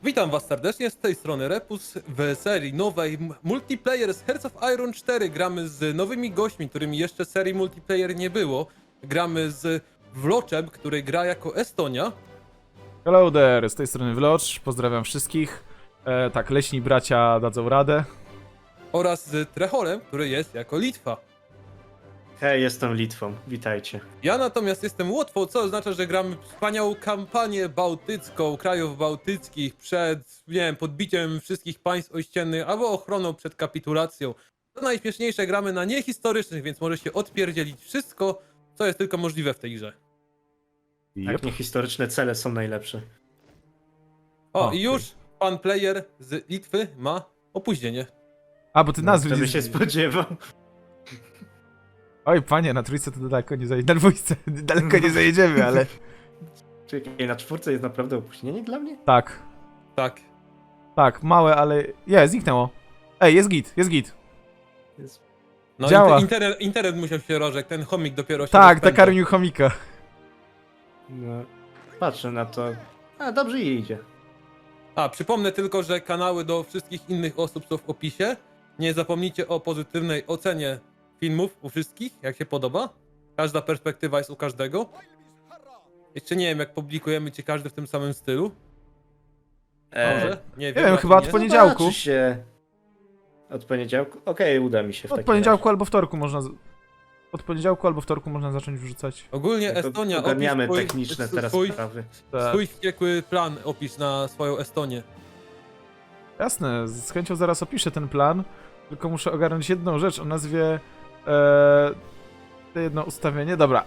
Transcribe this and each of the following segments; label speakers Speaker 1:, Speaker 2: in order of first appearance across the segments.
Speaker 1: Witam was serdecznie, z tej strony Repus. W serii nowej multiplayer z Hearts of Iron 4 gramy z nowymi gośćmi, którymi jeszcze serii multiplayer nie było. Gramy z Vloczem, który gra jako Estonia.
Speaker 2: Hello there, z tej strony Vlocz, pozdrawiam wszystkich. Tak, leśni bracia dadzą radę.
Speaker 1: Oraz z Treholem, który jest jako Litwa.
Speaker 3: Hej, jestem Litwą, witajcie.
Speaker 1: Ja natomiast jestem Łotwą, co oznacza, że gramy wspaniałą kampanię bałtycką, krajów bałtyckich przed, nie wiem, podbiciem wszystkich państw ościennych albo ochroną przed kapitulacją. To najśmieszniejsze, gramy na niehistorycznych, więc może się odpierdzielić wszystko, co jest tylko możliwe w tej grze.
Speaker 3: Tak, niehistoryczne cele są najlepsze.
Speaker 1: O,
Speaker 2: Okej.
Speaker 1: i już pan player z Litwy ma opóźnienie.
Speaker 2: A, bo ty nazwy
Speaker 3: Kto by
Speaker 2: nie...
Speaker 3: się spodziewał?
Speaker 2: Oj, panie, na trójce to daleko nie zajedziemy. Na dwójce daleko nie zajedziemy, ale...
Speaker 3: Czekaj, na czwórce jest naprawdę opóźnienie dla mnie?
Speaker 2: Tak,
Speaker 1: Tak.
Speaker 2: tak, małe, ale... zniknęło. Ej, jest git, jest git.
Speaker 3: Jest...
Speaker 1: No
Speaker 2: Działa.
Speaker 1: internet musiał się rożek, ten chomik dopiero się
Speaker 2: Tak,
Speaker 1: rozpędzał.
Speaker 2: nakarmił chomika.
Speaker 3: No, patrzę na to. A, dobrze jej idzie.
Speaker 1: A, przypomnę tylko, że kanały do wszystkich innych osób są w opisie. Nie zapomnijcie o pozytywnej ocenie filmów u wszystkich, jak się podoba. Każda perspektywa jest u każdego. Jeszcze nie wiem, jak publikujemy ci każdy w tym samym stylu. Może? Nie
Speaker 2: wiem,
Speaker 1: raczej
Speaker 2: chyba od
Speaker 1: nie.
Speaker 2: poniedziałku.
Speaker 3: Zobaczy się. Od poniedziałku? Okej, uda mi się w
Speaker 2: Od
Speaker 3: takim
Speaker 2: poniedziałku albo wtorku można... Od poniedziałku albo wtorku można zacząć wrzucać.
Speaker 1: Ogólnie
Speaker 3: razie.
Speaker 1: Estonia,
Speaker 3: Ogarniamy
Speaker 1: opisz
Speaker 3: techniczne teraz
Speaker 1: swój,
Speaker 3: sprawy.
Speaker 2: Tak.
Speaker 1: swój wściekły plan opisz na swoją Estonię.
Speaker 2: Jasne, z chęcią zaraz opiszę ten plan, tylko muszę ogarnąć jedną rzecz o nazwie... jedno ustawienie, dobra.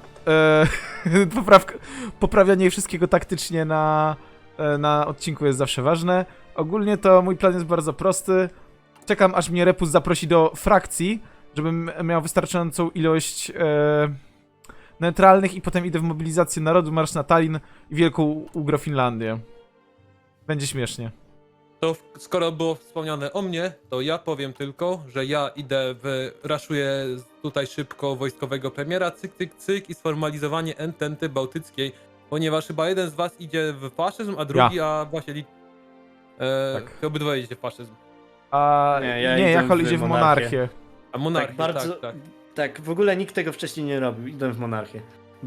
Speaker 2: Poprawianie wszystkiego taktycznie na odcinku jest zawsze ważne. Ogólnie to mój plan jest bardzo prosty. Czekam, aż mnie Repus zaprosi do frakcji, żebym miał wystarczającą ilość neutralnych i potem idę w mobilizację narodu, marsz na Tallinn i Wielką Ugrofinlandię. Będzie śmiesznie.
Speaker 1: To skoro było wspomniane o mnie, to ja powiem tylko, że ja raszuję tutaj szybko wojskowego premiera, cyk, cyk, cyk i sformalizowanie ententy bałtyckiej, ponieważ chyba jeden z was idzie w faszyzm, a drugi, a właśnie
Speaker 2: Tak.
Speaker 1: obydwoje idzie w faszyzm.
Speaker 2: A
Speaker 3: Nie, ja
Speaker 2: nie,
Speaker 3: idę
Speaker 2: Jachol
Speaker 3: w
Speaker 2: idzie w
Speaker 3: monarchię.
Speaker 2: monarchię.
Speaker 1: A monarchię,
Speaker 3: Tak, bardzo...
Speaker 1: tak.
Speaker 3: Tak, w ogóle nikt tego wcześniej nie robił. Idę w monarchię.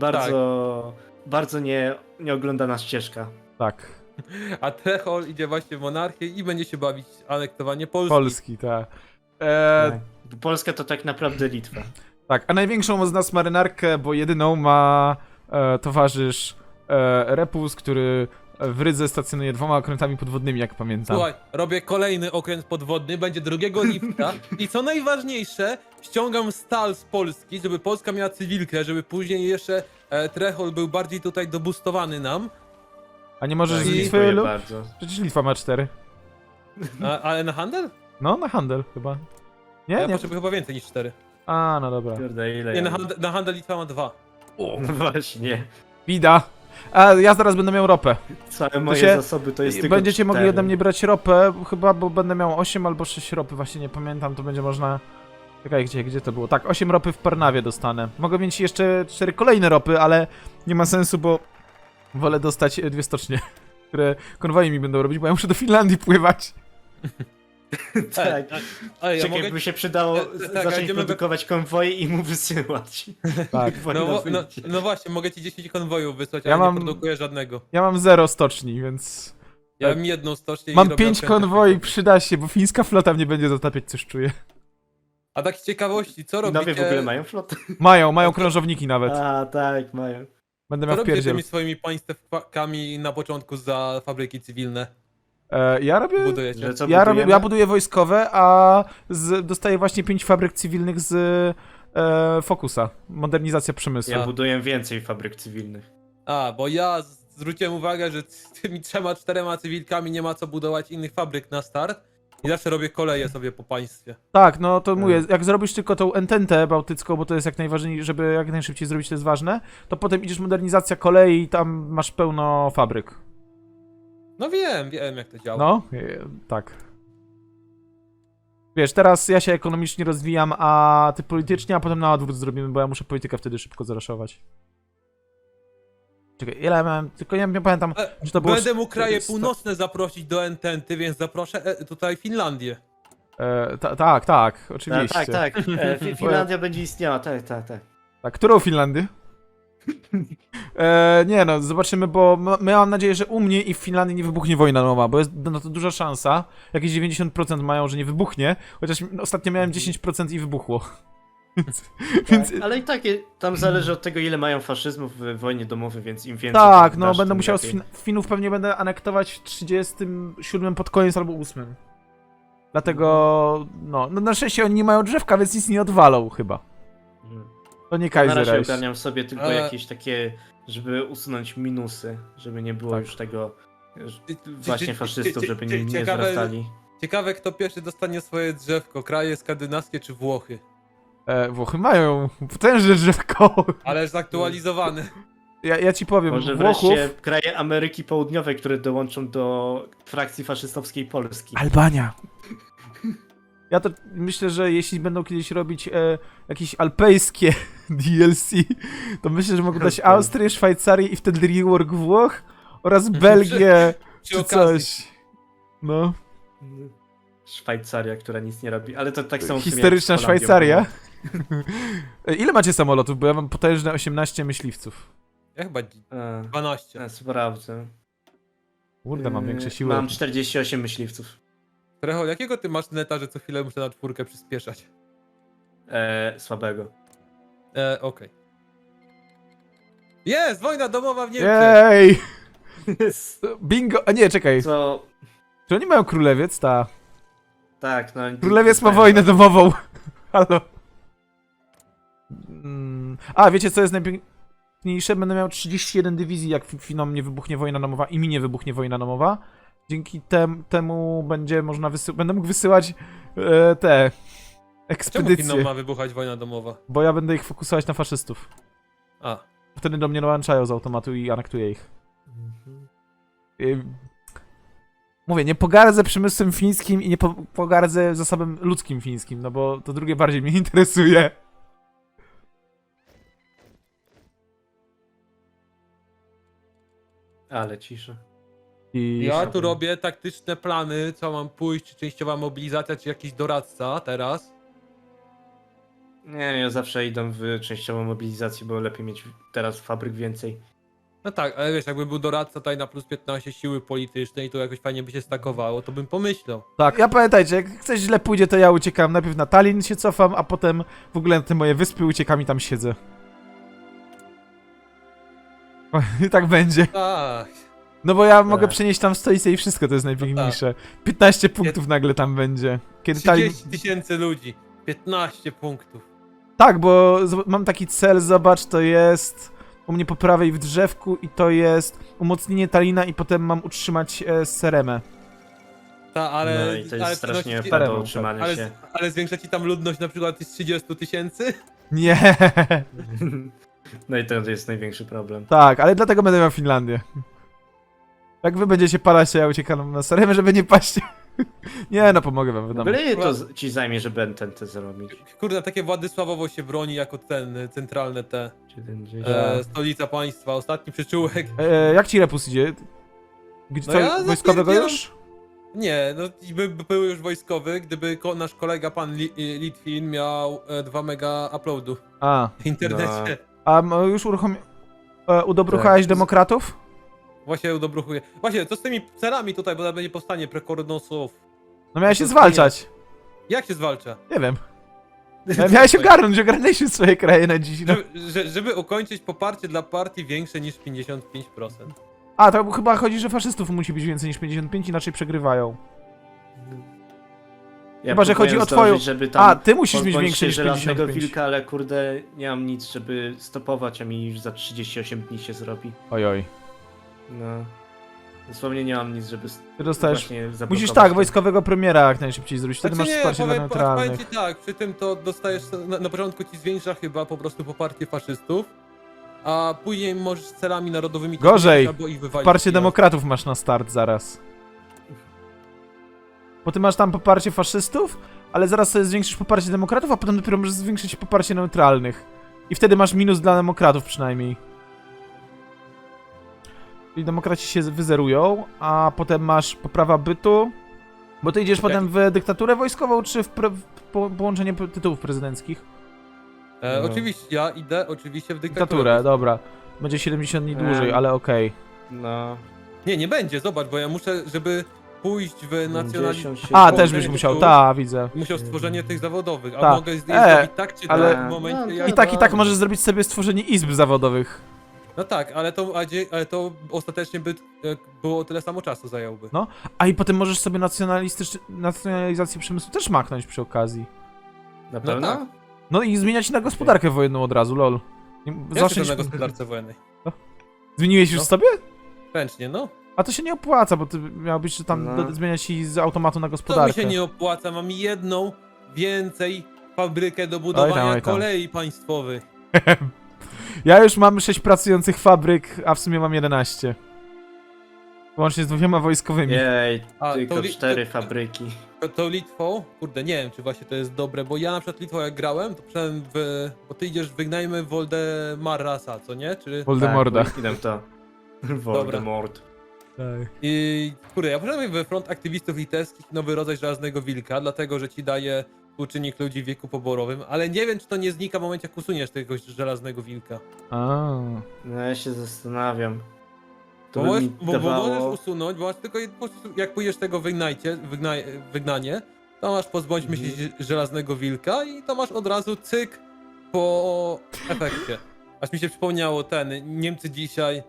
Speaker 3: Bardzo nieoglądana ścieżka.
Speaker 2: Tak.
Speaker 1: A Trechol idzie właśnie w monarchię i będzie się bawić anektowanie Polski.
Speaker 2: Polski, tak.
Speaker 3: Tak. Polska to tak naprawdę Litwa.
Speaker 2: Tak, a największą z nas marynarkę, bo jedyną ma towarzysz Repus, który w Rydze stacjonuje 2 okrętami podwodnymi, jak pamiętam.
Speaker 1: Słuchaj, robię kolejny okręt podwodny, będzie 2 lipca i co najważniejsze, ściągam stal z Polski, żeby Polska miała cywilkę, żeby później jeszcze Trechol był bardziej tutaj dobustowany nam,
Speaker 2: A nie możesz z
Speaker 1: I-
Speaker 2: Litwy
Speaker 3: Dziękuję
Speaker 2: lub...
Speaker 3: bardzo.
Speaker 2: Przecież Litwa ma 4.
Speaker 1: ale na handel?
Speaker 2: No, na handel chyba. Nie,
Speaker 1: Ja
Speaker 2: nie.
Speaker 1: potrzebuję chyba więcej niż 4.
Speaker 2: A, no dobra.
Speaker 3: Kurde, ile
Speaker 1: Nie,
Speaker 3: ja
Speaker 1: na handel Litwa ma 2.
Speaker 3: No właśnie.
Speaker 2: Bida. A ja zaraz będę miał ropę.
Speaker 3: Całe moje
Speaker 2: się-
Speaker 3: zasoby to jest tylko
Speaker 2: Będziecie mogli
Speaker 3: 4.
Speaker 2: ode mnie brać ropę, chyba, bo będę miał 8 albo 6 ropy, właśnie nie pamiętam, to będzie można... Czekaj, gdzie to było? Tak, 8 ropy w Parnawie dostanę. Mogę mieć jeszcze 4 kolejne ropy, ale nie ma sensu, bo wolę dostać 2 stocznie, które konwoje mi będą robić, bo ja muszę do Finlandii pływać.
Speaker 3: Tak.
Speaker 1: Ej, ja
Speaker 3: Czekaj,
Speaker 1: mogę...
Speaker 3: by się przydało
Speaker 1: tak,
Speaker 3: zacząć
Speaker 1: idziemy
Speaker 3: produkować konwoje i mu wysyłać.
Speaker 2: Tak.
Speaker 3: Wojna
Speaker 1: No
Speaker 3: wyjdzie.
Speaker 1: właśnie, mogę ci 10 konwojów wysłać,
Speaker 2: Ja
Speaker 1: ale
Speaker 2: mam-
Speaker 1: nie produkuję żadnego.
Speaker 2: Ja mam 0 stoczni, więc...
Speaker 1: Ja
Speaker 2: Tak.
Speaker 1: mam jedną stocznię i
Speaker 2: Mam
Speaker 1: robię
Speaker 2: 5
Speaker 1: okręty.
Speaker 2: konwoi, przyda się, bo fińska flota mnie będzie zatapiać, coś czuję.
Speaker 1: A tak z ciekawości, co robicie...
Speaker 3: Nowie w ogóle mają flotę?
Speaker 2: Mają krążowniki nawet.
Speaker 3: A, tak, mają.
Speaker 2: Będę
Speaker 1: Co
Speaker 2: miał
Speaker 1: robicie
Speaker 2: wpierdziel.
Speaker 1: tymi swoimi państwkami na początku za fabryki cywilne?
Speaker 2: Ja robię...
Speaker 1: Budujecie?
Speaker 3: Że co
Speaker 2: Ja
Speaker 3: budujemy?
Speaker 2: buduję wojskowe, a dostaję właśnie 5 fabryk cywilnych z Focusa. Modernizacja przemysłu.
Speaker 3: Ja buduję więcej fabryk cywilnych.
Speaker 1: A, bo ja zwróciłem uwagę, że z tymi 3-4 cywilkami nie ma co budować innych fabryk na start. I zawsze robię koleje sobie po państwie.
Speaker 2: Tak, no to mówię, jak zrobisz tylko tą ententę bałtycką, bo to jest jak najważniejsze, żeby jak najszybciej zrobić, to jest ważne, to potem idziesz modernizacja kolei i tam masz pełno fabryk.
Speaker 1: No wiem jak to działa.
Speaker 2: No, tak. Wiesz, teraz ja się ekonomicznie rozwijam, a ty politycznie, a potem na odwrót zrobimy, bo ja muszę politykę wtedy szybko zaraszować. Czekaj, ile ja miałem, tylko nie pamiętam, czy to było...
Speaker 1: Będę mógł kraje
Speaker 2: 100.
Speaker 1: północne zaprosić do Ententy, więc zaproszę tutaj Finlandię.
Speaker 2: Tak, oczywiście.
Speaker 3: Tak. Finlandia będzie istniała, tak.
Speaker 2: Tak, którą Finlandię? Nie no, zobaczymy, bo my mam nadzieję, że u mnie i w Finlandii nie wybuchnie wojna domowa, bo jest na to duża szansa. Jakieś 90% mają, że nie wybuchnie, chociaż ostatnio miałem 10% i wybuchło. Więc,
Speaker 3: Tak, ale i tak tam zależy od tego, ile mają faszyzmu w wojnie domowej, więc im więcej...
Speaker 2: tak,
Speaker 3: tym
Speaker 2: no
Speaker 3: dasz,
Speaker 2: będę
Speaker 3: tym
Speaker 2: musiał
Speaker 3: lepiej.
Speaker 2: Finów pewnie będę anektować w 37 pod koniec albo 8. Dlatego, no na szczęście oni nie mają drzewka, więc nic nie odwalą chyba.
Speaker 3: Mhm.
Speaker 2: To nie
Speaker 3: Na
Speaker 2: Kaiser
Speaker 3: razie
Speaker 2: Reich.
Speaker 3: ogarniam sobie tylko
Speaker 1: Ale-
Speaker 3: jakieś takie, żeby usunąć minusy, żeby nie było
Speaker 2: Tak.
Speaker 3: już tego właśnie faszystów, żeby nie
Speaker 1: ciekawe-
Speaker 3: zwracali.
Speaker 1: Ciekawe, kto pierwszy dostanie swoje drzewko, kraje skandynawskie czy Włochy.
Speaker 2: Włochy mają potężne drzewko.
Speaker 1: Ale zaktualizowane.
Speaker 2: Ja ci powiem,
Speaker 3: Może
Speaker 2: Włochów...
Speaker 3: wreszcie kraje Ameryki Południowej, które dołączą do frakcji faszystowskiej Polski.
Speaker 2: Albania. Ja to myślę, że jeśli będą kiedyś robić jakieś alpejskie DLC, to myślę, że mogą dać Austrię, Szwajcarię i wtedy rework Włoch oraz Belgię
Speaker 1: Przy
Speaker 2: czy
Speaker 1: okazji.
Speaker 2: coś. No.
Speaker 3: Szwajcaria, która nic nie robi, ale to tak samo w sumie
Speaker 2: Historyczna
Speaker 3: jak z Holandią
Speaker 2: Szwajcaria.
Speaker 3: było.
Speaker 2: Ile macie samolotów? Bo ja mam potężne 18 myśliwców.
Speaker 1: Ja chyba 12.
Speaker 3: Sprawdzę.
Speaker 2: Kurde, mam większe siły.
Speaker 3: Mam 48 myśliwców.
Speaker 1: Trecho, jakiego ty masz neta, że co chwilę muszę na 4 przyspieszać?
Speaker 3: Słabego.
Speaker 1: Okej. Jest! Wojna domowa w Niemczech!
Speaker 2: Jej! Bingo! A nie, czekaj.
Speaker 3: Co?
Speaker 2: Czy oni mają królewiec? Ta.
Speaker 3: Tak, no...
Speaker 2: Królewiec ma wojnę domową. Halo. A, wiecie co jest najpiękniejsze? Będę miał 31 dywizji, jak Finom nie wybuchnie wojna domowa i mi nie wybuchnie wojna domowa. Dzięki temu będzie można będę mógł wysyłać te
Speaker 1: Czemu
Speaker 2: ekspedycje,
Speaker 1: Finom ma wybuchać wojna domowa?
Speaker 2: bo ja będę ich fokusować na faszystów.
Speaker 1: A.
Speaker 2: Wtedy do mnie dołączają z automatu i anektuję ich. Mówię, nie pogardzę przemysłem fińskim i nie pogardzę zasobem ludzkim fińskim, no bo to drugie bardziej mnie interesuje.
Speaker 3: Ale cisza.
Speaker 2: I
Speaker 1: Ja tu robię taktyczne plany, co mam pójść, czy częściowa mobilizacja, czy jakiś doradca teraz.
Speaker 3: Nie, ja zawsze idę w częściową mobilizację, bo lepiej mieć teraz fabryk więcej.
Speaker 1: No tak, ale wiesz, jakby był doradca tutaj na plus 15 siły politycznej i to jakoś fajnie by się stakowało, to bym pomyślał.
Speaker 2: Tak, ja pamiętajcie, jak coś źle pójdzie, to ja uciekam. Najpierw na Tallinn się cofam, a potem w ogóle na te moje wyspy uciekam i tam siedzę. I tak będzie.
Speaker 1: Tak.
Speaker 2: No bo ja mogę
Speaker 3: Tak.
Speaker 2: przenieść tam stolicę i wszystko, to jest najpiękniejsze. 15 punktów nagle tam będzie. Kiedy Tallinn...
Speaker 1: 30 000 ludzi, 15 punktów.
Speaker 2: Tak, bo mam taki cel, zobacz, to jest u mnie po prawej w drzewku i to jest umocnienie Tallina i potem mam utrzymać Seremę.
Speaker 1: Ta, ale...
Speaker 3: No i to jest
Speaker 1: ale
Speaker 3: strasznie
Speaker 1: przynosić-
Speaker 3: do
Speaker 2: Staremu,
Speaker 3: utrzymania
Speaker 1: ale,
Speaker 3: się.
Speaker 1: ale zwiększa ci tam ludność na przykład z 30 000?
Speaker 2: Nie,
Speaker 3: No i to jest największy problem.
Speaker 2: tak, ale dlatego będę miał Finlandię. Jak wy będziecie palać, to ja uciekam na Seremę, żeby nie paść. Nie, no pomogę wam, wiadomo.
Speaker 3: Byle to ci zajmie, żeby NTNT zrobić.
Speaker 1: Kurde, takie Władysławowo się broni jako ten, centralne te,
Speaker 3: 70.
Speaker 1: stolica państwa, ostatni przyczółek.
Speaker 2: Jak ci repus idzie? Gdzie,
Speaker 1: No
Speaker 2: co,
Speaker 1: ja
Speaker 2: wojskowego
Speaker 1: zapierdzielam-
Speaker 2: już?
Speaker 1: Nie, no był już wojskowy, gdyby nasz kolega pan Litwin miał 2 mega uploadu
Speaker 2: A,
Speaker 1: w internecie.
Speaker 2: a już udobruchałeś
Speaker 3: Tak.
Speaker 2: demokratów?
Speaker 1: Właśnie udobruchuję. Właśnie, co z tymi celami tutaj, bo będzie powstanie prekornosów.
Speaker 2: No miałeś się
Speaker 1: To
Speaker 2: zwalczać.
Speaker 1: Jak się zwalcza?
Speaker 2: Nie wiem. Miałeś ogarnąć, ogarnęliśmy swoje kraje na dziś. No.
Speaker 1: Żeby ukończyć poparcie dla partii większe niż 55%.
Speaker 2: A, to chyba chodzi, że faszystów musi być więcej niż 55, inaczej przegrywają.
Speaker 3: Ja
Speaker 2: Chyba, że chodzi
Speaker 3: próbuję
Speaker 2: o twoją-
Speaker 3: zdążyć, żeby tam
Speaker 2: A, ty musisz mieć
Speaker 3: pozbądź
Speaker 2: większe
Speaker 3: się
Speaker 2: niż
Speaker 3: żelaznego
Speaker 2: 55.
Speaker 3: wilka, ale kurde, nie mam nic, żeby stopować, a mi już za 38 dni się zrobi.
Speaker 2: Ojoj.
Speaker 3: No. Dosłownie nie mam nic, żeby
Speaker 2: Ty dostajesz...
Speaker 3: właśnie zablokować
Speaker 2: Musisz tak,
Speaker 3: to.
Speaker 2: wojskowego premiera jak najszybciej zrobić, wtedy
Speaker 1: Znaczy
Speaker 2: masz
Speaker 1: nie,
Speaker 2: wsparcie dla
Speaker 1: powiem
Speaker 2: neutralnych.
Speaker 1: ci tak, przy tym to dostajesz, na początku ci zwiększa chyba po prostu poparcie faszystów, a później możesz z celami narodowymi...
Speaker 2: Gorzej.
Speaker 1: albo ich wywalić
Speaker 2: Poparcie
Speaker 1: z pieniądza.
Speaker 2: demokratów masz na start zaraz. Bo ty masz tam poparcie faszystów, ale zaraz sobie zwiększysz poparcie demokratów, a potem dopiero możesz zwiększyć poparcie neutralnych. I wtedy masz minus dla demokratów przynajmniej. Czyli demokraci się wyzerują, a potem masz poprawa bytu. Bo ty idziesz potem w dyktaturę wojskową, czy w połączenie tytułów prezydenckich?
Speaker 3: No.
Speaker 1: Oczywiście, ja idę oczywiście w dyktaturę.
Speaker 2: Dyktaturę, dobra. Będzie 70 dni dłużej, ale okej.
Speaker 3: No.
Speaker 1: Nie będzie, zobacz, bo ja muszę, żeby pójść w nacjonalizm.
Speaker 3: 57.
Speaker 2: A, też
Speaker 1: Połączenie
Speaker 2: byś musiał,
Speaker 1: tytułów.
Speaker 2: widzę.
Speaker 1: Musiał stworzenie tych zawodowych, a
Speaker 2: Tak.
Speaker 1: mogę je zrobić tak czy
Speaker 2: ale-
Speaker 1: tak w momencie,
Speaker 3: No,
Speaker 1: jak...
Speaker 2: I tak możesz zrobić sobie stworzenie izb zawodowych.
Speaker 1: No tak, ale to ostatecznie by było tyle samo czasu zająłby.
Speaker 2: No. A i potem możesz sobie nacjonalizację przemysłu też machnąć przy okazji.
Speaker 3: Na pewno?
Speaker 1: tak.
Speaker 2: No i zmieniać na gospodarkę wojenną od razu, lol.
Speaker 1: Ja
Speaker 2: Zawsze
Speaker 1: jestem na gospodarce wojennej.
Speaker 2: Zmieniłeś już
Speaker 1: No.
Speaker 2: sobie?
Speaker 1: Ręcznie, no.
Speaker 2: A to się nie opłaca, bo ty miałbyś że tam
Speaker 3: No.
Speaker 2: zmieniać i z automatu na
Speaker 1: To mi
Speaker 2: gospodarkę.
Speaker 1: się nie opłaca, mam jedną więcej fabrykę do budowania
Speaker 2: oj tam.
Speaker 1: kolei państwowych.
Speaker 2: Ja już mam 6 pracujących fabryk, a w sumie mam 11. Łącznie z 2 wojskowymi.
Speaker 3: Jej,
Speaker 1: A,
Speaker 3: tylko
Speaker 1: to
Speaker 3: 4 fabryki.
Speaker 1: To Litwą, kurde, nie wiem, czy właśnie to jest dobre, bo ja na przykład Litwą jak grałem, to przynajmniej bo ty idziesz, wygnajmy Woldemarasa, co nie? Czy...
Speaker 2: Voldemorda.
Speaker 3: Tak, idę w to. Voldemort.
Speaker 2: Tak.
Speaker 1: I kurde, ja poszedłem we front aktywistów litewskich nowy rodzaj Żelaznego Wilka, dlatego, że ci daje współczynnik ludzi w wieku poborowym, ale nie wiem, czy to nie znika w momencie, jak usuniesz tego Żelaznego Wilka.
Speaker 2: A.
Speaker 3: No ja się zastanawiam. To
Speaker 1: Bo
Speaker 3: by
Speaker 1: możesz,
Speaker 3: mi
Speaker 1: bo możesz
Speaker 3: dawało...
Speaker 1: usunąć, bo masz tylko po prostu, jak pójdziesz tego wygnanie, to masz pozbądźmy się Żelaznego Wilka i to masz od razu cyk po efekcie. Aż mi się przypomniało Niemcy dzisiaj.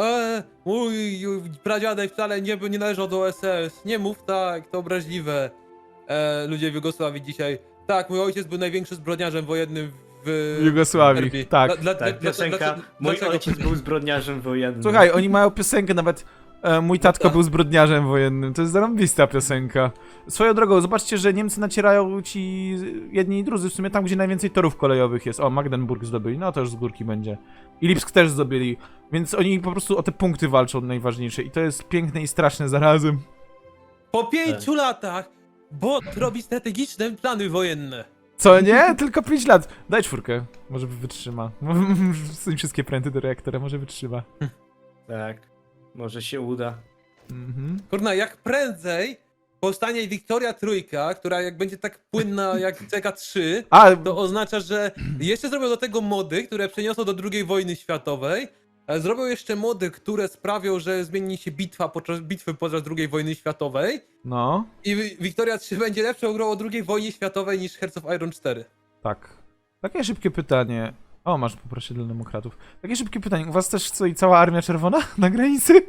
Speaker 1: Mój pradziadek wcale nie należał do SS. Nie mów tak, to obraźliwe. Ludzie w Jugosławii dzisiaj. Tak, mój ojciec był największym zbrodniarzem wojennym w
Speaker 2: Jugosławii,
Speaker 1: Serbii.
Speaker 2: tak.
Speaker 3: Tak, piosenka Mój
Speaker 1: dlaczego?
Speaker 3: ojciec był zbrodniarzem wojennym.
Speaker 2: Słuchaj, oni mają piosenkę nawet. Mój tatko był zbrodniarzem wojennym. To jest zarąbista piosenka. Swoją drogą, zobaczcie, że Niemcy nacierają ci jedni i drudzy w sumie tam, gdzie najwięcej torów kolejowych jest. O, Magdeburg zdobyli, no to już z górki będzie. I Lipsk też zdobyli. Więc oni po prostu o te punkty walczą najważniejsze. I to jest piękne i straszne zarazem.
Speaker 1: Po 5 latach bot robi strategiczne plany wojenne.
Speaker 2: Co nie? Tylko 5 lat. Daj 4. Może wytrzyma. Wsuń wszystkie pręty do reaktora, może wytrzyma.
Speaker 3: Tak, może się uda.
Speaker 2: Mhm.
Speaker 1: Kurna, jak prędzej powstanie Wiktoria Trójka, która jak będzie tak płynna jak CK3,
Speaker 2: A,
Speaker 1: to oznacza, że jeszcze zrobią do tego mody, które przeniosą do II wojny światowej. Zrobią jeszcze mody, które sprawią, że zmieni się bitwy podczas II wojny światowej.
Speaker 2: no.
Speaker 1: I Wiktoria 3 będzie lepszą grą o II wojnie światowej niż Hearts of Iron 4.
Speaker 2: Tak. Takie szybkie pytanie. O, masz poproszę dla demokratów. Takie szybkie pytanie. U was też stoi cała armia czerwona na granicy?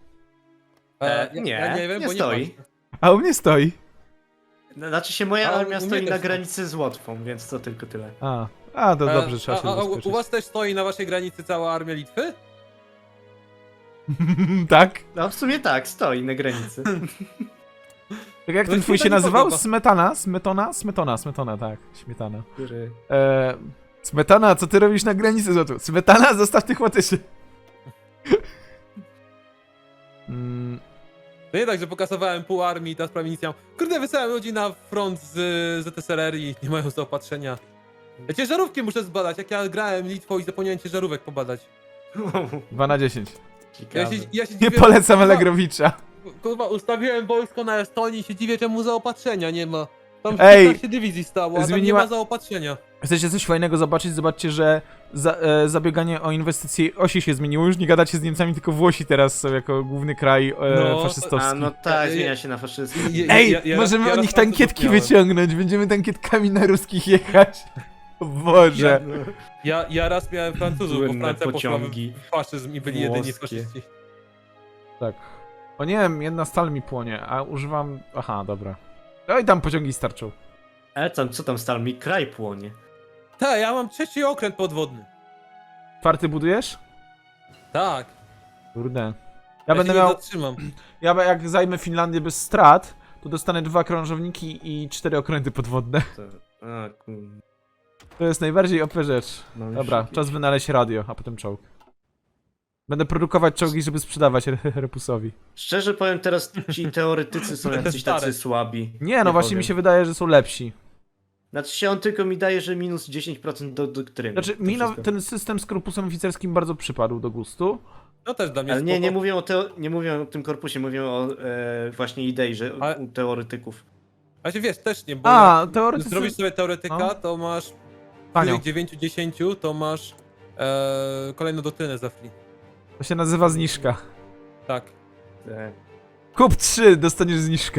Speaker 1: Ja nie wiem,
Speaker 3: nie
Speaker 1: bo
Speaker 3: stoi.
Speaker 1: nie patrzę.
Speaker 2: A u mnie stoi.
Speaker 3: Znaczy się moja
Speaker 1: A,
Speaker 3: armia
Speaker 1: u mnie
Speaker 3: stoi
Speaker 1: też
Speaker 3: na
Speaker 1: tak.
Speaker 3: granicy z Łotwą, więc to tylko tyle.
Speaker 2: A, to dobrze, trzeba się
Speaker 1: u
Speaker 2: zabezpieczyć.
Speaker 1: was też stoi na waszej granicy cała armia Litwy?
Speaker 2: Tak?
Speaker 3: No w sumie tak, stoi na granicy.
Speaker 2: Tak jak
Speaker 1: No
Speaker 2: ten
Speaker 1: mi
Speaker 2: twój
Speaker 1: się
Speaker 2: się
Speaker 1: to nie
Speaker 2: nazywał?
Speaker 1: podoba.
Speaker 2: Smetana, tak. Śmietana. Smetana, co ty robisz na granicy z Łotwą? Smetana, zostaw tych łotyszy.
Speaker 1: To nie tak, że pokasowałem pół armii i teraz prawie nic nie mam. Kurde, wysyłałem ludzi na front z ZSRR i nie mają zaopatrzenia. Ja ciężarówki muszę zbadać, jak ja grałem Litwą i zapomniałem ciężarówek pobadać.
Speaker 2: 2 na 10.
Speaker 3: Ciekawe.
Speaker 1: Ja się
Speaker 2: Nie
Speaker 1: dziwię,
Speaker 2: polecam
Speaker 1: kurwa,
Speaker 2: Allegrowicza.
Speaker 1: Kurwa, ustawiłem wojsko na Estonii i się dziwię, czemu zaopatrzenia nie ma. Tam
Speaker 2: Ej,
Speaker 1: 15 dywizji stało, a tam nie
Speaker 2: zmieniła-
Speaker 1: ma zaopatrzenia.
Speaker 2: Chcecie coś fajnego zobaczyć? Zobaczcie, że zabieganie o inwestycje osi się zmieniło. Już nie gadacie z Niemcami, tylko Włosi teraz są jako główny kraj
Speaker 1: No,
Speaker 2: faszystowski.
Speaker 3: A no tak,
Speaker 1: Ja-
Speaker 3: zmienia się na faszyzm.
Speaker 2: Ej,
Speaker 1: ja
Speaker 2: możemy
Speaker 1: raz
Speaker 2: o nich
Speaker 1: Francuzów
Speaker 2: tankietki
Speaker 1: miałem.
Speaker 2: wyciągnąć. Będziemy tankietkami na ruskich jechać. O Boże.
Speaker 1: Ja raz miałem Francuzów, bo
Speaker 3: Słynne
Speaker 1: Francja poszła
Speaker 3: pociągi
Speaker 1: w faszyzm i byli jedyni
Speaker 3: włoskie.
Speaker 1: faszyści.
Speaker 2: Tak. O nie wiem, jedna stal mi płonie, a używam... Aha, dobra. Oj, tam pociągi starczą.
Speaker 3: Ale tam, co tam stal mi kraj płonie?
Speaker 1: Tak, ja mam 3. okręt podwodny.
Speaker 2: 4 budujesz?
Speaker 1: Tak.
Speaker 2: Kurde.
Speaker 1: Ja
Speaker 2: będę
Speaker 1: się nie
Speaker 2: miał...
Speaker 1: zatrzymam.
Speaker 2: Jak zajmę Finlandię bez strat, to dostanę 2 krążowniki i 4 okręty podwodne.
Speaker 3: To... A,
Speaker 2: To jest najbardziej OP rzecz.
Speaker 3: mam
Speaker 2: Dobra,
Speaker 3: już jakieś-
Speaker 2: czas wynaleźć radio, a potem czołg. Będę produkować czołgi, żeby sprzedawać Repusowi.
Speaker 3: Szczerze powiem, teraz ci teoretycy są jacyś
Speaker 1: Stare.
Speaker 3: tacy słabi.
Speaker 2: Nie, no właśnie
Speaker 3: powiem.
Speaker 2: mi się wydaje, że są lepsi.
Speaker 3: Znaczy się on tylko mi daje, że minus 10% do doktryny.
Speaker 2: Znaczy,
Speaker 3: To
Speaker 2: mi
Speaker 3: wszystko.
Speaker 2: ten system z korpusem oficerskim bardzo przypadł do gustu.
Speaker 1: No też dla mnie
Speaker 3: Ale nie
Speaker 1: spoko.
Speaker 3: mówię nie mówię o tym korpusie, mówię o właśnie idei, że
Speaker 1: Ale-
Speaker 3: u teoretyków.
Speaker 1: A się wiesz, też nie, bo
Speaker 2: A,
Speaker 1: jak
Speaker 2: teoretycy...
Speaker 1: zrobisz sobie teoretyka,
Speaker 2: No.
Speaker 1: to masz
Speaker 2: Tanio.
Speaker 1: 9-10, to masz kolejną doktrynę za free.
Speaker 2: To się nazywa zniżka.
Speaker 1: Tak.
Speaker 3: Tak.
Speaker 2: Kup 3, dostaniesz zniżkę.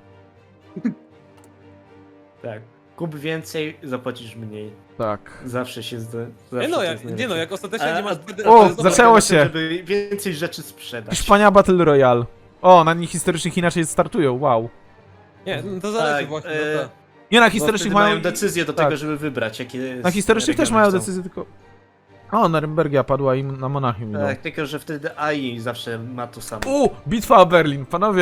Speaker 3: Tak. Kup więcej, zapłacisz mniej.
Speaker 2: Tak.
Speaker 3: Zawsze się zda.
Speaker 1: Nie
Speaker 3: zawsze
Speaker 1: no,
Speaker 3: to
Speaker 1: jak,
Speaker 3: jest
Speaker 1: nie no,
Speaker 3: najlepsze.
Speaker 1: jak ostatecznie nie masz...
Speaker 2: O,
Speaker 1: Zobacz,
Speaker 2: zaczęło
Speaker 3: Na tym,
Speaker 2: się.
Speaker 3: żeby więcej rzeczy sprzedać.
Speaker 2: Hiszpania Battle Royale. O, na nich historycznych inaczej startują, wow.
Speaker 1: Nie, no to zależy
Speaker 3: Tak,
Speaker 1: właśnie, no tak.
Speaker 2: Nie, na
Speaker 3: Bo
Speaker 2: historycznych
Speaker 3: wtedy
Speaker 2: mają...
Speaker 3: mają decyzję do
Speaker 2: tak.
Speaker 3: tego, żeby wybrać, jakie.
Speaker 2: Na historycznych też
Speaker 3: regiony
Speaker 2: mają
Speaker 3: chcą.
Speaker 2: decyzję, tylko... O, Narymbergia padła i na Monachium idą.
Speaker 3: Tak, tylko że wtedy AI zawsze ma to samo.
Speaker 2: Bitwa o Berlin, panowie.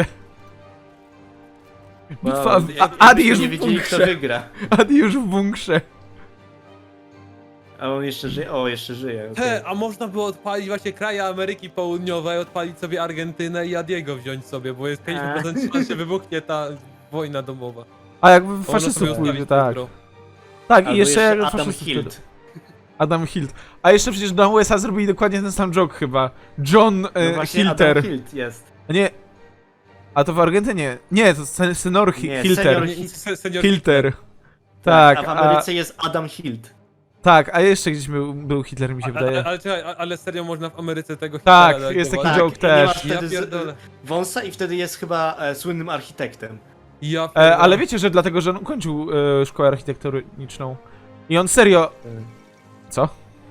Speaker 2: Bitwa... Adi już
Speaker 3: nie
Speaker 2: w
Speaker 3: wiedzieli, kto
Speaker 2: bunkrze.
Speaker 3: wygra.
Speaker 2: Adi już w bunkrze.
Speaker 3: A on jeszcze żyje? O, jeszcze żyje. okej.
Speaker 1: He, a można było odpalić właśnie kraje Ameryki Południowej, odpalić sobie Argentynę i Adiego wziąć sobie, bo jest 50% szans, że wybuchnie ta wojna domowa.
Speaker 2: A jak
Speaker 1: Można
Speaker 2: faszystów
Speaker 1: sobie
Speaker 2: pójdzie,
Speaker 1: ustawić
Speaker 2: tak.
Speaker 1: jutro.
Speaker 2: Tak, i
Speaker 3: Albo
Speaker 2: jeszcze jak
Speaker 3: Adam
Speaker 2: faszystów
Speaker 3: Hilt.
Speaker 2: pójdzie. Adam Hilt. A jeszcze przecież na USA zrobili dokładnie ten sam joke chyba. John
Speaker 3: No właśnie
Speaker 2: Hilter.
Speaker 3: Adam Hilt jest.
Speaker 2: Nie. A to w Argentynie. Nie, to senior
Speaker 3: Nie,
Speaker 2: Hilter.
Speaker 3: senior
Speaker 1: Senior
Speaker 2: Hilter. Tak,
Speaker 3: a w Ameryce jest Adam Hilt.
Speaker 2: tak, a jeszcze gdzieś był Hitler, mi się wydaje.
Speaker 1: Ale czekaj, ale serio można w Ameryce tego
Speaker 2: Tak,
Speaker 1: Hitlera
Speaker 2: jest taki
Speaker 1: delegować?
Speaker 2: joke
Speaker 3: i nie
Speaker 2: też.
Speaker 3: masz
Speaker 1: Ja
Speaker 3: wtedy
Speaker 1: pierdolę.
Speaker 3: wąsa i wtedy jest chyba słynnym architektem.
Speaker 1: Ja pierdolę.
Speaker 2: Ale wiecie, że dlatego, że on ukończył szkołę architektoniczną. I on serio... Co?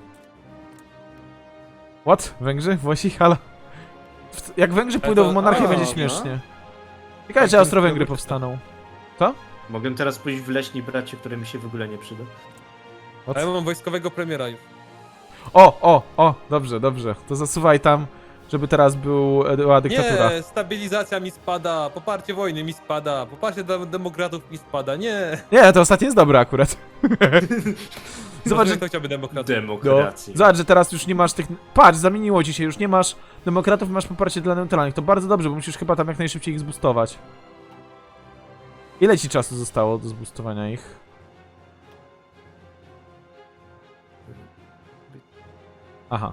Speaker 2: What? Węgrzy? Włosi? Halo? Jak Węgrzy pójdą w monarchię,
Speaker 3: a,
Speaker 2: będzie
Speaker 3: no.
Speaker 2: śmiesznie. Ciekawe, czy
Speaker 1: Tak,
Speaker 2: Austro-Węgry
Speaker 1: to-
Speaker 2: powstaną.
Speaker 3: Mogę teraz pójść w leśni bracie, który mi się w ogóle nie przyda.
Speaker 1: A ja mam wojskowego premiera już.
Speaker 2: O, dobrze, dobrze. To zasuwaj tam, żeby teraz była dyktatura.
Speaker 1: Nie, stabilizacja mi spada, poparcie wojny mi spada, poparcie demokratów mi spada, nie.
Speaker 2: Nie, to ostatnie jest dobre akurat. Zobacz, że...
Speaker 1: Kto chciałby demokratów?
Speaker 2: No.
Speaker 3: Demokracji.
Speaker 2: Zobacz, że teraz już nie masz tych... Patrz, zamieniło ci się, już nie masz demokratów, masz poparcie dla neutralnych. To bardzo dobrze, bo musisz chyba tam jak najszybciej ich zboostować. Ile ci czasu zostało do zboostowania ich? Aha.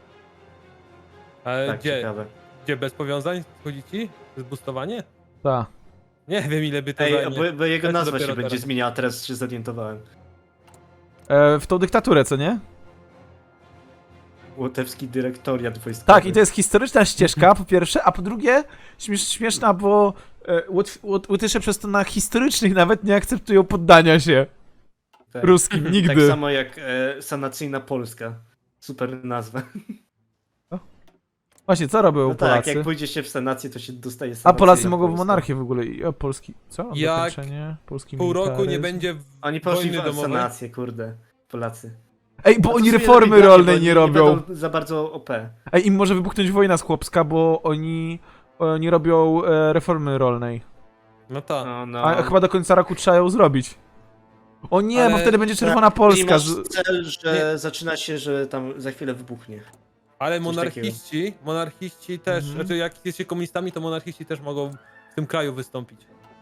Speaker 1: Ale
Speaker 3: Tak,
Speaker 1: gdzie,
Speaker 3: ciekawe.
Speaker 1: gdzie bez powiązań chodzi ci? Zboostowanie?
Speaker 2: Ta.
Speaker 1: Nie wiem ile by to
Speaker 3: Ej,
Speaker 1: zajmie.
Speaker 3: bo jego
Speaker 1: Ja to
Speaker 3: nazwa się
Speaker 1: dopiero
Speaker 3: będzie
Speaker 1: teraz.
Speaker 3: zmieniała, teraz się zorientowałem.
Speaker 2: W tą dyktaturę, co nie?
Speaker 3: Łotewski dyrektoriat wojskowy.
Speaker 2: Tak, i to jest historyczna ścieżka, po pierwsze, a po drugie, śmieszna, bo Łotysze przez to na historycznych nawet nie akceptują poddania się
Speaker 3: Tak.
Speaker 2: ruskim,
Speaker 3: Tak
Speaker 2: nigdy.
Speaker 3: samo jak sanacyjna Polska. Super nazwa.
Speaker 2: Właśnie, co robią
Speaker 3: No tak,
Speaker 2: Polacy?
Speaker 3: jak pójdzie się w sanację, to się dostaje
Speaker 2: A
Speaker 3: sanacyjna
Speaker 2: Polacy mogą w
Speaker 3: Polska.
Speaker 2: monarchię w ogóle. I, o, Polski. Co?
Speaker 1: Jak
Speaker 2: Dokończenie? Polski
Speaker 1: Pół roku nie
Speaker 2: militaryzm.
Speaker 1: będzie
Speaker 3: Oni poszli
Speaker 1: wojny
Speaker 3: w
Speaker 1: domowej.
Speaker 3: sanację, kurde. Polacy.
Speaker 2: Ej, bo
Speaker 3: A to
Speaker 2: oni
Speaker 3: sobie
Speaker 2: reformy
Speaker 3: lepiej
Speaker 2: rolnej
Speaker 3: daje, bo
Speaker 2: nie robią.
Speaker 3: będą za bardzo OP.
Speaker 2: Ej, im może wybuchnąć wojna chłopska, bo oni robią reformy rolnej.
Speaker 1: No tak.
Speaker 3: No.
Speaker 2: A chyba do końca roku trzeba ją zrobić. O nie, bo
Speaker 1: Ale-
Speaker 2: wtedy będzie czerwona
Speaker 3: I
Speaker 2: Polska.
Speaker 3: masz cel, że zaczyna się, że tam za chwilę wybuchnie.
Speaker 1: Ale
Speaker 3: Coś
Speaker 1: monarchiści też,
Speaker 2: Mhm.
Speaker 1: znaczy jak jesteście komunistami, to monarchiści też mogą w tym kraju wystąpić.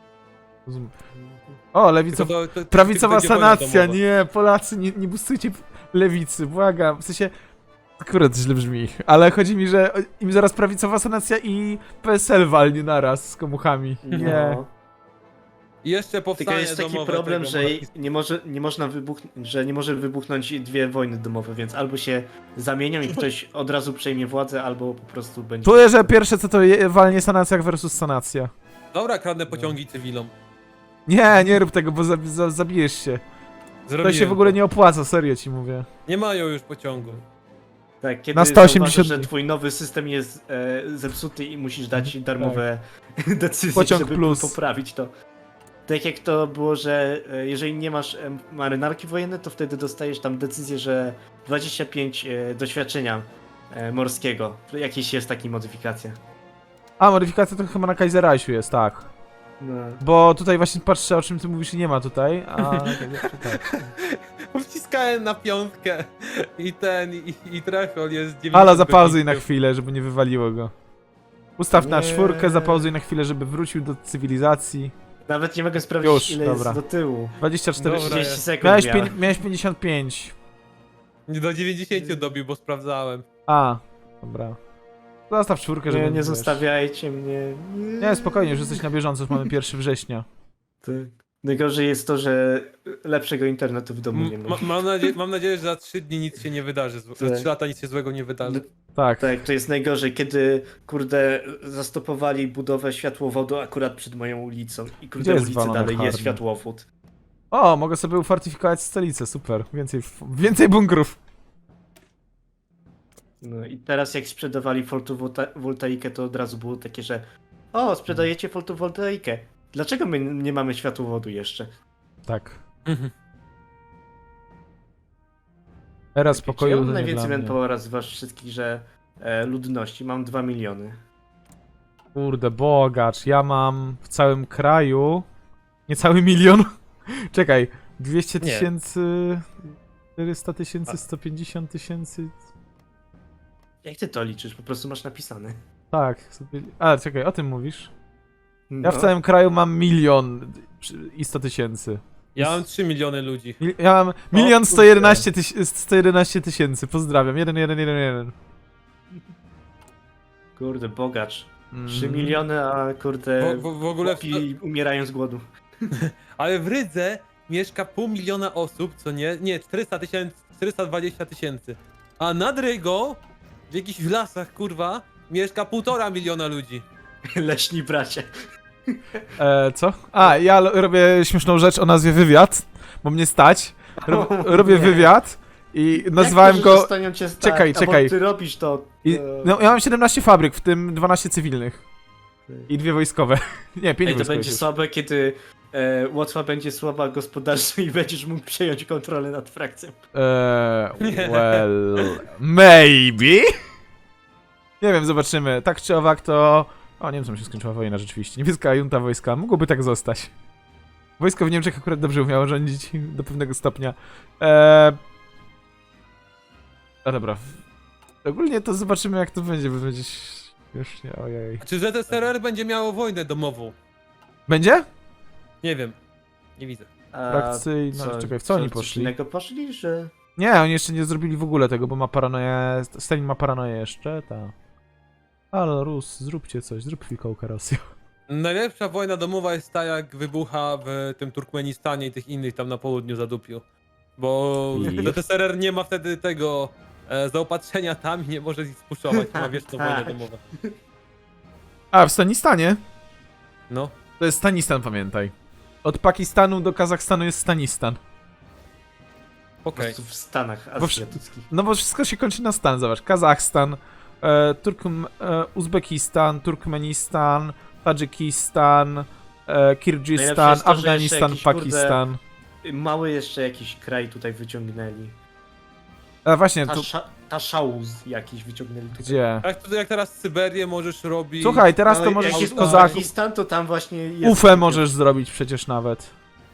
Speaker 2: O, lewicowa.
Speaker 1: Tylko to
Speaker 2: Prawicowa
Speaker 1: będzie wojna
Speaker 2: sanacja,
Speaker 1: domowa.
Speaker 2: nie, Polacy, nie boostujcie lewicy, błagam. W sensie, akurat źle brzmi, ale chodzi mi, że im zaraz prawicowa sanacja i PSL walnie naraz z komuchami. Nie.
Speaker 3: No.
Speaker 1: I jeszcze
Speaker 3: Tylko
Speaker 1: powstanie
Speaker 3: jest taki
Speaker 1: domowe
Speaker 3: problem,
Speaker 1: tego
Speaker 3: że
Speaker 1: monarchistów.
Speaker 3: nie można że nie może wybuchnąć dwie wojny domowe, więc albo się zamienią i ktoś od razu przejmie władzę, albo po prostu będzie...
Speaker 2: Czuję, że pierwsze co to walnie sanacja versus sanacja.
Speaker 1: Dobra, kradnę pociągi cywilom.
Speaker 2: Nie rób tego, bo zabijesz się. To
Speaker 1: Zrobiłem
Speaker 2: się w ogóle nie opłaca, serio ci mówię.
Speaker 1: Nie mają już pociągu.
Speaker 3: Tak, kiedy
Speaker 2: Na 180
Speaker 3: zauważysz, że
Speaker 2: dni.
Speaker 3: twój nowy system jest zepsuty i musisz dać darmowe decyzje,
Speaker 2: Pociąg
Speaker 3: żeby
Speaker 2: plus.
Speaker 3: poprawić to. Tak jak to było, że jeżeli nie masz marynarki wojennej, to wtedy dostajesz tam decyzję, że 25 doświadczenia morskiego. Jakieś jest taka modyfikacja.
Speaker 2: A, modyfikacja to chyba na Kaiserreichu jest, tak.
Speaker 3: No.
Speaker 2: Bo tutaj właśnie patrzę, o czym ty mówisz i nie ma tutaj, a... tak.
Speaker 1: Wciskałem na piątkę i trefol jest 90.
Speaker 2: Ale zapauzuj na chwilę, żeby nie wywaliło go. Ustaw na
Speaker 3: Nie.
Speaker 2: 4, zapauzuj na chwilę, żeby wrócił do cywilizacji.
Speaker 3: Nawet nie mogę sprawdzić,
Speaker 2: Już,
Speaker 3: ile
Speaker 2: dobra.
Speaker 3: jest do tyłu.
Speaker 2: 24...
Speaker 1: Dobra.
Speaker 3: 30 sekund
Speaker 2: Miałeś,
Speaker 3: miałem.
Speaker 2: miałeś 55.
Speaker 1: Do 90 dobił, bo sprawdzałem.
Speaker 2: A, dobra. Zostaw czwórkę, żeby...
Speaker 3: Nie
Speaker 2: wiesz.
Speaker 3: zostawiajcie mnie.
Speaker 2: Nie, spokojnie, już jesteś na bieżąco, już mamy 1 września.
Speaker 3: Tak. Najgorzej jest to, że lepszego internetu w domu nie ma.
Speaker 1: Mam nadzieję, że za 3 dni nic się nie wydarzy. Za
Speaker 3: Tak.
Speaker 1: 3 lata nic się złego nie wydarzy.
Speaker 2: Tak.
Speaker 3: Tak, to jest najgorzej, kiedy, kurde, zastopowali budowę światłowodu akurat przed moją ulicą. I
Speaker 2: Gdzie
Speaker 3: kurde,
Speaker 2: jest
Speaker 3: ulicy
Speaker 2: Walon
Speaker 3: dalej jest
Speaker 2: Hardy?
Speaker 3: światłowód.
Speaker 2: O, mogę sobie ufortyfikować stolicę, super. Więcej bunkrów.
Speaker 3: No i teraz jak sprzedawali fotowoltaikę, to od razu było takie, że o, sprzedajecie fotowoltaikę. Dlaczego my nie mamy światłowodu jeszcze?
Speaker 2: Tak.
Speaker 1: Mhm.
Speaker 2: Era
Speaker 3: Ja
Speaker 2: spokoju
Speaker 3: mam
Speaker 2: to nie
Speaker 3: najwięcej
Speaker 2: dla mnie.
Speaker 3: manpowera z was wszystkich, że ludności. Mam 2 miliony.
Speaker 2: Kurde, bogacz, ja mam w całym kraju niecały 1 milion. Czekaj, 200
Speaker 1: Nie.
Speaker 2: tysięcy, 400 tysięcy, 150 tysięcy.
Speaker 3: Jak ty to liczysz? Po prostu masz napisane.
Speaker 2: Tak, sobie... A, czekaj, o tym mówisz?
Speaker 3: No.
Speaker 2: Ja w całym kraju mam 1 milion i 100 tysięcy.
Speaker 1: Ja mam 3 miliony ludzi.
Speaker 2: Ja mam 1 111 tysięcy, pozdrawiam, 1111.
Speaker 3: Kurde, bogacz. 3
Speaker 2: Mm.
Speaker 3: miliony, a kurde,
Speaker 1: W ogóle...
Speaker 3: chłopi umierają z głodu.
Speaker 1: Ale w Rydze mieszka 500 000 osób, co nie? Nie, 420 tysięcy. A nad Rygą, w jakichś lasach, kurwa, mieszka 1,5 miliona ludzi.
Speaker 3: Leśni bracie.
Speaker 2: Co? A, ja robię śmieszną rzecz o nazwie wywiad, bo mnie stać. Robię
Speaker 3: nie.
Speaker 2: wywiad i nazwałem
Speaker 3: Jak to, że
Speaker 2: go...
Speaker 3: zostanią cię stać?
Speaker 2: Czekaj,
Speaker 3: A
Speaker 2: czekaj.
Speaker 3: bo ty robisz to.
Speaker 2: I, no, ja mam 17 fabryk, w tym 12 cywilnych. I 2 wojskowe. Nie, 5
Speaker 3: Ej, to
Speaker 2: wojskowych.
Speaker 3: będzie
Speaker 2: już.
Speaker 3: słabe, kiedy Łotwa będzie słaba gospodarczo i będziesz mógł przejąć kontrolę nad frakcją.
Speaker 1: Nie.
Speaker 2: Well, maybe? Nie wiem, zobaczymy. Tak czy owak to... O, Niemcom się skończyła wojna rzeczywiście. Niemiecka junta wojska. Mogłoby tak zostać. Wojsko w Niemczech akurat dobrze umiało rządzić do pewnego stopnia. A dobra. Ogólnie to zobaczymy jak to będzie, bo będzie... Już nie, ojej.
Speaker 1: Czy ZSRR będzie miało wojnę domową?
Speaker 2: Będzie?
Speaker 1: Nie wiem. Nie widzę.
Speaker 3: A
Speaker 2: Frakcyjna... Czekaj, w co oni
Speaker 3: coś
Speaker 2: poszli?
Speaker 3: innego poszli, że...
Speaker 2: Nie, oni jeszcze nie zrobili w ogóle tego, bo ma paranoję... Stalin ma paranoję jeszcze, ta. Ale Rus, zróbcie coś, zrób fikołka Rosja.
Speaker 1: Najlepsza wojna domowa jest ta, jak wybucha w tym Turkmenistanie i tych innych tam na południu zadupiu. Bo
Speaker 2: I?
Speaker 1: ZSRR nie ma wtedy tego zaopatrzenia tam i nie może ich spuszować, ma wieczną wojnę domową.
Speaker 2: A, w Stanistanie?
Speaker 1: No.
Speaker 2: To jest Stanistan, pamiętaj. Od Pakistanu do Kazachstanu jest Stanistan.
Speaker 3: Po
Speaker 1: Okej.
Speaker 3: prostu w Stanach
Speaker 2: Bo
Speaker 3: azjatyckich.
Speaker 2: No bo wszystko się kończy na stan, zobacz. Kazachstan, Uzbekistan, Turkmenistan, Tadżykistan,
Speaker 3: Najlepsze
Speaker 2: Kirgistan,
Speaker 3: jest to, że jeszcze
Speaker 2: Afganistan,
Speaker 3: jakiś,
Speaker 2: Pakistan.
Speaker 3: Mały jeszcze jakiś kraj tutaj wyciągnęli.
Speaker 2: A właśnie, tu...
Speaker 3: Taszauz jakiś wyciągnęli tutaj.
Speaker 2: Gdzie?
Speaker 1: Jak teraz Syberię możesz robić...
Speaker 2: Słuchaj, teraz
Speaker 3: No,
Speaker 2: to
Speaker 3: jak
Speaker 2: możesz
Speaker 3: jest
Speaker 2: z kozaków...
Speaker 3: Uzbekistan, to tam właśnie jest...
Speaker 2: Ufę możesz zrobić przecież nawet.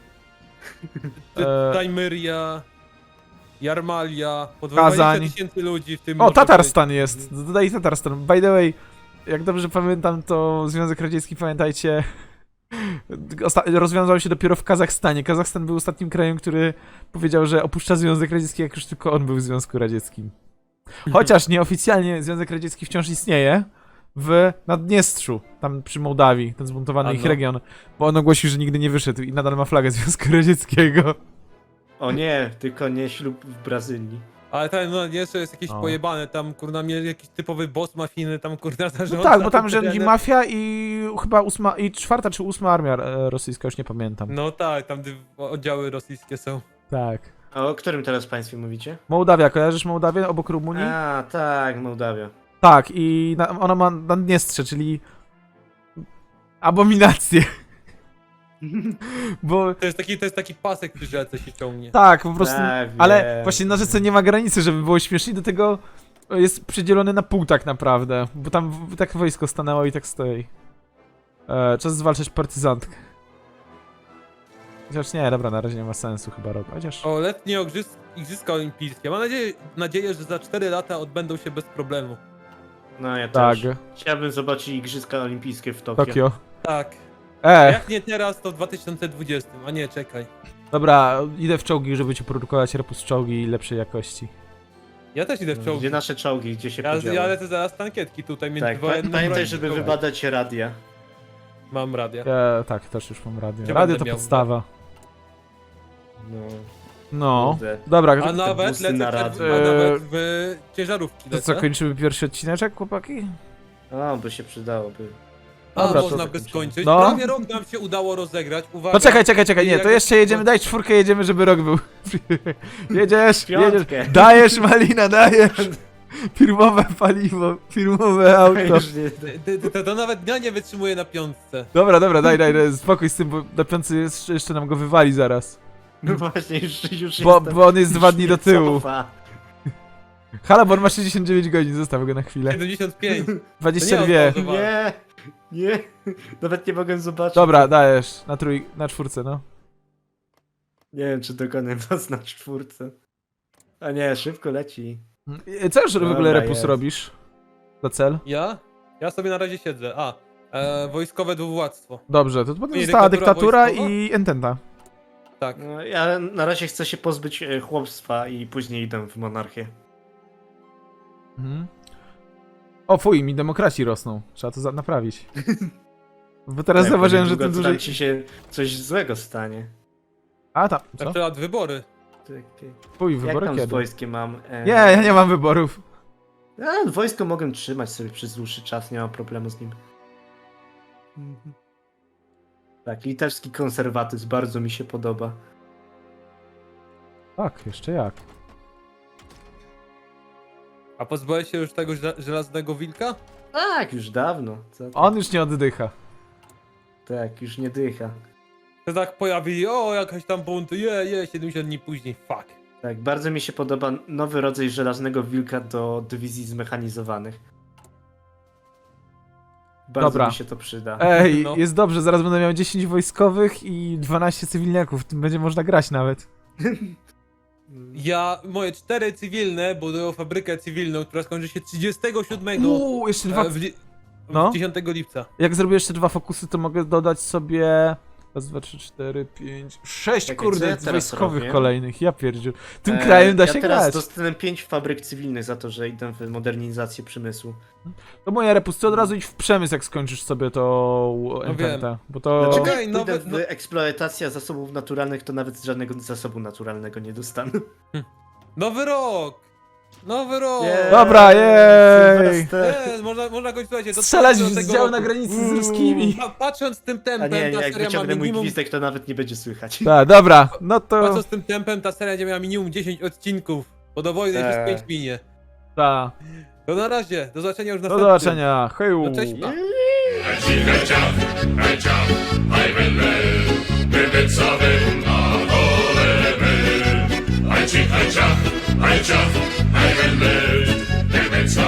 Speaker 1: Tajmyria, Jarmalia, po
Speaker 2: Kazań.
Speaker 1: 20 tysięcy ludzi w tym...
Speaker 2: O,
Speaker 1: może
Speaker 2: Tatarstan
Speaker 1: być.
Speaker 2: jest. Dodaj Tatarstan. By the way, jak dobrze pamiętam, to Związek Radziecki, pamiętajcie, rozwiązał się dopiero w Kazachstanie. Kazachstan był ostatnim krajem, który powiedział, że opuszcza Związek Radziecki, jak już tylko on był w Związku Radzieckim. Chociaż nieoficjalnie Związek Radziecki wciąż istnieje w Naddniestrzu, tam przy Mołdawii, ten zbuntowany ich
Speaker 1: Ano.
Speaker 2: region, bo on ogłosił, że nigdy nie wyszedł i nadal ma flagę Związku Radzieckiego.
Speaker 3: O nie, tylko nie ślub w Brazylii.
Speaker 1: Ale tam no, jeszcze jest jakieś
Speaker 2: O.
Speaker 1: pojebane, tam kurna mieli jakiś typowy boss mafijny, tam kurna zarządza.
Speaker 2: No tak, bo tam
Speaker 1: tym
Speaker 2: rządzi
Speaker 1: terenem.
Speaker 2: mafia i chyba 4. czy 8. armia rosyjska, już nie pamiętam.
Speaker 1: No tak, tam oddziały rosyjskie są.
Speaker 2: Tak.
Speaker 3: A o którym teraz państwie mówicie?
Speaker 2: Mołdawia, kojarzysz Mołdawię obok Rumunii?
Speaker 3: A, tak, Mołdawia.
Speaker 2: Tak, i ona ma Naddniestrze, czyli abominację. Bo
Speaker 1: To jest taki pasek przy rzece się ciągnie.
Speaker 2: tak, po prostu.
Speaker 3: Tak,
Speaker 2: Ale
Speaker 3: wiem.
Speaker 2: właśnie na rzece nie ma granicy, żeby było śmiesznie, do tego jest przydzielony na pół tak naprawdę. Bo tam tak wojsko stanęło i tak stoi. Czas zwalczać partyzantkę. Chociaż nie, dobra, na razie nie ma sensu chyba robić. Chociaż.
Speaker 1: O, letnie Igrzyska Olimpijskie. Mam nadzieję, że za 4 lata odbędą się bez problemu.
Speaker 3: No ja
Speaker 2: Tak,
Speaker 3: też. Chciałbym zobaczyć Igrzyska Olimpijskie w Tokio.
Speaker 2: Tokio.
Speaker 1: Tak.
Speaker 2: E,
Speaker 1: Jak nie teraz, to w 2020. A nie, czekaj.
Speaker 2: dobra, idę w czołgi, żeby ci produkować repus czołgi lepszej jakości.
Speaker 1: Ja też idę w czołgi.
Speaker 3: Gdzie nasze czołgi, gdzie się
Speaker 1: Ja
Speaker 3: podziały?
Speaker 1: lecę zaraz tankietki tutaj między
Speaker 3: Tak,
Speaker 1: wojennym
Speaker 3: pamiętaj,
Speaker 1: brojem
Speaker 3: żeby
Speaker 1: i czołgiem.
Speaker 3: wybadać radia.
Speaker 1: Mam radia.
Speaker 2: Tak, też już mam radio.
Speaker 1: Gdzie
Speaker 2: Radio
Speaker 1: będę
Speaker 2: to
Speaker 1: miał?
Speaker 2: podstawa.
Speaker 3: No,
Speaker 2: No,
Speaker 3: kurde.
Speaker 2: dobra,
Speaker 1: A nawet
Speaker 3: busy
Speaker 1: lecę
Speaker 3: na
Speaker 1: przed,
Speaker 3: radio.
Speaker 1: a nawet w ciężarówki
Speaker 2: to co,
Speaker 1: lecę.
Speaker 2: kończymy pierwszy odcineczek, chłopaki?
Speaker 3: A, by się przydałoby.
Speaker 1: A
Speaker 2: Dobra, to
Speaker 1: można by
Speaker 3: zakończymy.
Speaker 1: skończyć.
Speaker 2: No.
Speaker 1: Prawie rok nam się udało rozegrać. Uwaga.
Speaker 2: No czekaj,
Speaker 1: I
Speaker 2: nie, to
Speaker 1: jak-
Speaker 2: jeszcze jedziemy, daj czwórkę, jedziemy, żeby rok był. Jedziesz,
Speaker 3: Piątkę.
Speaker 2: jedziesz, dajesz Malina, dajesz. Firmowe paliwo, firmowe auto.
Speaker 3: Już nie...
Speaker 1: To nawet dnia nie wytrzymuje na piątce.
Speaker 2: Dobra, daj, spokój z tym, bo na piątce jeszcze nam go wywali zaraz.
Speaker 3: No właśnie, już
Speaker 2: Bo on jest 2 dni do tyłu.
Speaker 3: Cofa.
Speaker 2: Halabor ma 69 godzin, zostaw go na chwilę.
Speaker 1: 75.
Speaker 2: 22.
Speaker 3: Nie, nie. Nawet nie mogę zobaczyć.
Speaker 2: Dobra, dajesz, na czwórce, no.
Speaker 3: Nie wiem, czy dokonę was na czwórce. A nie, szybko leci.
Speaker 2: Co już w ogóle
Speaker 3: Dobra,
Speaker 2: Repus
Speaker 3: jest.
Speaker 2: robisz? Za cel?
Speaker 1: Ja sobie na razie siedzę. Wojskowe dwuwładztwo.
Speaker 2: Dobrze, to potem
Speaker 1: Nie,
Speaker 2: została
Speaker 1: dyktatura
Speaker 2: dyktatura
Speaker 1: wojskowa?
Speaker 2: i Ententa.
Speaker 1: Tak.
Speaker 3: No, ja na razie chcę się pozbyć chłopstwa i później idę w monarchię.
Speaker 2: Mhm. O fuj, mi demokraci rosną. Trzeba to naprawić. Bo teraz
Speaker 3: Tak,
Speaker 2: zauważyłem, że
Speaker 3: niedługo
Speaker 2: tym
Speaker 3: to
Speaker 2: dłużej...
Speaker 3: tam ci się coś złego stanie.
Speaker 2: A tam,
Speaker 1: Na
Speaker 2: co?
Speaker 1: przykład wybory.
Speaker 2: Fuj,
Speaker 3: Jak
Speaker 2: wybory
Speaker 3: tam z
Speaker 2: kiedy?
Speaker 3: wojskiem mam?
Speaker 2: Nie, ja nie mam wyborów.
Speaker 3: Wojsko mogę trzymać sobie przez dłuższy czas, nie mam problemu z nim. Tak, litewski konserwatyzm bardzo mi się podoba.
Speaker 2: Tak, jeszcze jak.
Speaker 1: A pozbyłeś się już tego żelaznego wilka?
Speaker 3: Tak, już dawno. Co ty?
Speaker 2: On już nie oddycha.
Speaker 3: Tak, już nie dycha.
Speaker 1: To tak pojawili, jakaś tam bunt, 70 dni później, fuck.
Speaker 3: Tak, bardzo mi się podoba nowy rodzaj żelaznego wilka do dywizji zmechanizowanych. Bardzo
Speaker 2: Dobra.
Speaker 3: mi się to przyda.
Speaker 2: Ej,
Speaker 1: No.
Speaker 2: jest dobrze, zaraz będę miał 10 wojskowych i 12 cywilniaków. Tym będzie można grać nawet.
Speaker 1: Moje 4 cywilne budują fabrykę cywilną, która skończy się 37
Speaker 2: Jeszcze dwa... No.
Speaker 1: 10 lipca.
Speaker 2: Jak zrobię jeszcze 2 fokusy, to mogę dodać sobie... Raz, 2, 3, 4, 5, 6
Speaker 3: Czekaj, co
Speaker 2: kurde
Speaker 3: ja teraz
Speaker 2: wojskowych
Speaker 3: robię?
Speaker 2: kolejnych. Ja pierdziu. Tym krajem da się
Speaker 3: ja teraz
Speaker 2: grać.
Speaker 3: dostałem 5 fabryk cywilnych za to, że idę w modernizację przemysłu.
Speaker 2: To moja Repus, ty od razu idź w przemysł, jak skończysz sobie to Ententę. Bo to...
Speaker 3: Znaczy,
Speaker 1: Okej,
Speaker 3: jak
Speaker 1: nowe-
Speaker 3: pójdę w eksploatacja zasobów naturalnych, to nawet żadnego zasobu naturalnego nie dostanę.
Speaker 1: Nowy rok! Nowy rok!
Speaker 3: Yeah.
Speaker 2: Dobra, jej!
Speaker 3: Sylwester.
Speaker 1: Można go, słuchajcie, do
Speaker 2: Strzelać
Speaker 1: do
Speaker 2: z
Speaker 1: tego
Speaker 2: działu
Speaker 1: roku.
Speaker 2: na granicy z ruskimi.
Speaker 1: Patrząc tym
Speaker 3: A
Speaker 1: tempem,
Speaker 3: nie,
Speaker 1: ta
Speaker 3: jak
Speaker 1: seria ma
Speaker 3: wyciągnę mój
Speaker 1: minimum...
Speaker 3: gwizdek, to nawet nie będzie słychać.
Speaker 2: Tak, dobra, no to...
Speaker 1: Patrząc tym tempem, ta seria będzie miała minimum 10 odcinków. Bo do wojny już 5 minie.
Speaker 2: Ta.
Speaker 1: To na razie, do zobaczenia już
Speaker 2: Do
Speaker 1: następnym.
Speaker 2: zobaczenia, heju!
Speaker 1: No cześć, pa.
Speaker 4: I jump, I will live,